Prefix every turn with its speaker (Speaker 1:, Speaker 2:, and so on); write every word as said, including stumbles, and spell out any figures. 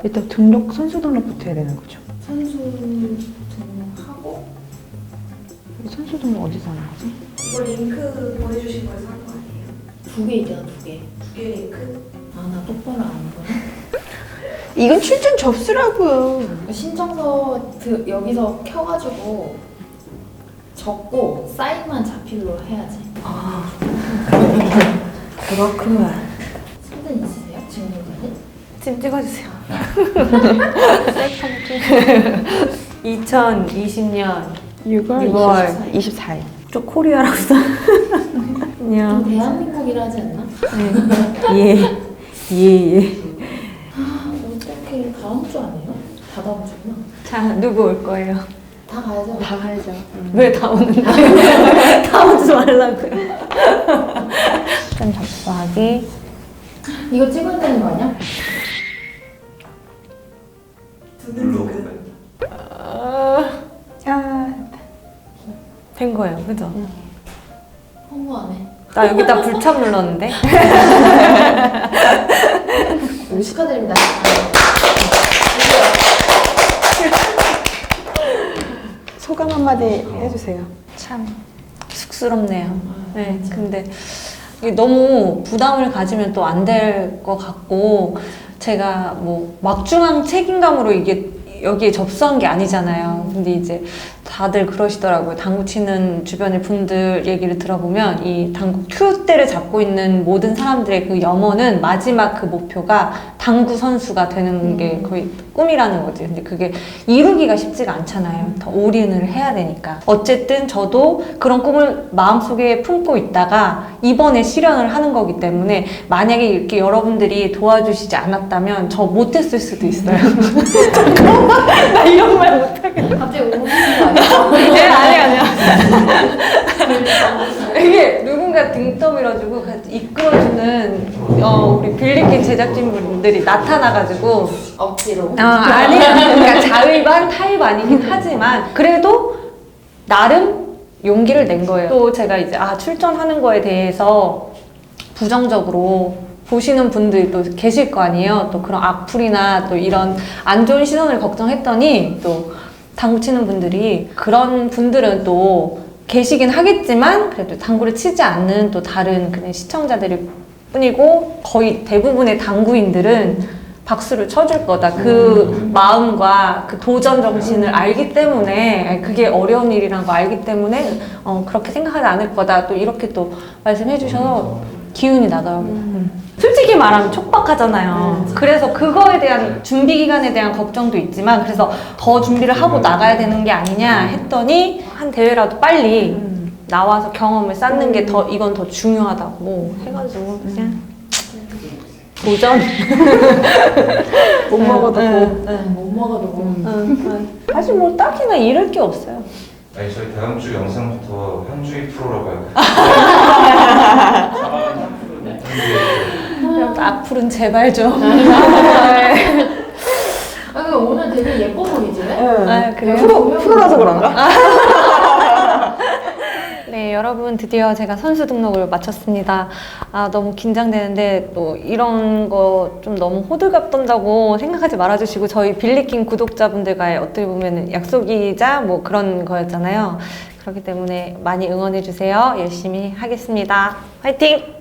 Speaker 1: 일단 등록, 선수 등록부터 해야 되는 거죠.
Speaker 2: 선수 등록하고
Speaker 1: 선수 등록 어디서 하는 거지?
Speaker 3: 이거 링크 보내주신 거에서 한 거 아니에요?
Speaker 2: 두 개 있잖아, 두 개.
Speaker 3: 두 개 링크?
Speaker 2: 아, 나 똑바로 안 보네.
Speaker 1: 이건 출전 접수라고요.
Speaker 2: 신청서 드, 여기서 켜가지고 적고 사인만 자필로 해야지.
Speaker 1: 아,
Speaker 2: 그렇구만. 사진 있으세요? 증명사진?
Speaker 4: 지금 찍어주세요. 이천이십 년
Speaker 1: 유월
Speaker 4: 유월
Speaker 1: 이십사일.
Speaker 4: 저 코리아라고 써. 안녕.
Speaker 2: 좀 대한민국이라 하지 않나?
Speaker 4: 예. 예, 예.
Speaker 2: 아, 어떻게 다음 주 아니에요? 다 다음 주구나.
Speaker 4: 자, 누구 올 거예요?
Speaker 2: 다 가야죠.
Speaker 1: 다 가야죠.
Speaker 4: 왜 다 오는데? 다 오지 말라고요. 출전 접수하기.
Speaker 2: 이거 찍어야 되는 거 아니야?
Speaker 3: 두는 링크?
Speaker 1: 아,
Speaker 4: 된 거예요, 그죠?
Speaker 2: 홍보 안 해.
Speaker 4: 나 여기다 불참 눌렀는데?
Speaker 2: 축하드립니다.
Speaker 1: 소감 한마디 해주세요.
Speaker 4: 참 쑥스럽네요. 네, 근데 이게 너무 부담을 가지면 또 안 될 것 같고, 제가 뭐 막중한 책임감으로 이게 여기에 접수한 게 아니잖아요. 근데 이제 다들 그러시더라고요. 당구 치는 주변의 분들 얘기를 들어보면 이 당구 큐대를 잡고 있는 모든 사람들의 그 염원은 마지막 그 목표가 당구 선수가 되는 게 거의 꿈이라는 거지. 근데 그게 이루기가 쉽지가 않잖아요. 더 올인을 해야 되니까. 어쨌든 저도 그런 꿈을 마음속에 품고 있다가 이번에 실현을 하는 거기 때문에 만약에 이렇게 여러분들이 도와주시지 않았다면 저 못했을 수도 있어요. 나 이런 말 못하겠다.
Speaker 2: 갑자기 오는 거 아니야?
Speaker 4: 네, 아니, 아니야. 이게 누군가 등 떠밀어주고 같이 이끌어주는 어, 우리 빌리킨 제작진분들이 나타나가지고
Speaker 2: 억지로.
Speaker 4: 아, 아니야. 그러니까 자의 반 타의 반이긴 하지만 그래도 나름 용기를 낸 거예요. 또 제가 이제 아 출전하는 거에 대해서 부정적으로 보시는 분들이 또 계실 거 아니에요. 또 그런 악플이나 또 이런 안 좋은 시선을 걱정했더니 또 당구 치는 분들이 그런 분들은 또 계시긴 하겠지만 그래도 당구를 치지 않는 또 다른 그냥 시청자들일 뿐이고 거의 대부분의 당구인들은 박수를 쳐줄 거다. 그 마음과 그 도전 정신을 알기 때문에 그게 어려운 일이라는 거 알기 때문에 어, 그렇게 생각하지 않을 거다. 또 이렇게 또 말씀해 주셔서 기운이 나더라고요. 음. 솔직히 말하면 촉박하잖아요. 그래서 그거에 대한 준비 기간에 대한 걱정도 있지만 그래서 더 준비를 하고 나가야 되는 게 아니냐 했더니 한 대회라도 빨리 나와서 경험을 쌓는 게 더 이건 더 중요하다고 해가지고 그냥 도전.
Speaker 1: 못 먹어도 고.
Speaker 2: 못 먹어도 뭐.
Speaker 4: 사실 뭐 딱히나 잃을 게 없어요.
Speaker 5: 아니 저희 다음 주 영상부터 현주의 프로라고 해요.
Speaker 4: 악플은 제발 좀.
Speaker 2: 아, 근데 오늘 되게 예뻐 보이지?
Speaker 4: 아, 그래요?
Speaker 1: 프로, 프로라서 그런가?
Speaker 4: 네, 여러분 드디어 제가 선수 등록을 마쳤습니다. 아, 너무 긴장되는데 또 이런 거 좀 너무 호들갑 떤다고 생각하지 말아주시고 저희 빌리킨 구독자분들과의 어떻게 보면 약속이자 뭐 그런 거였잖아요. 그렇기 때문에 많이 응원해주세요. 열심히 하겠습니다. 화이팅!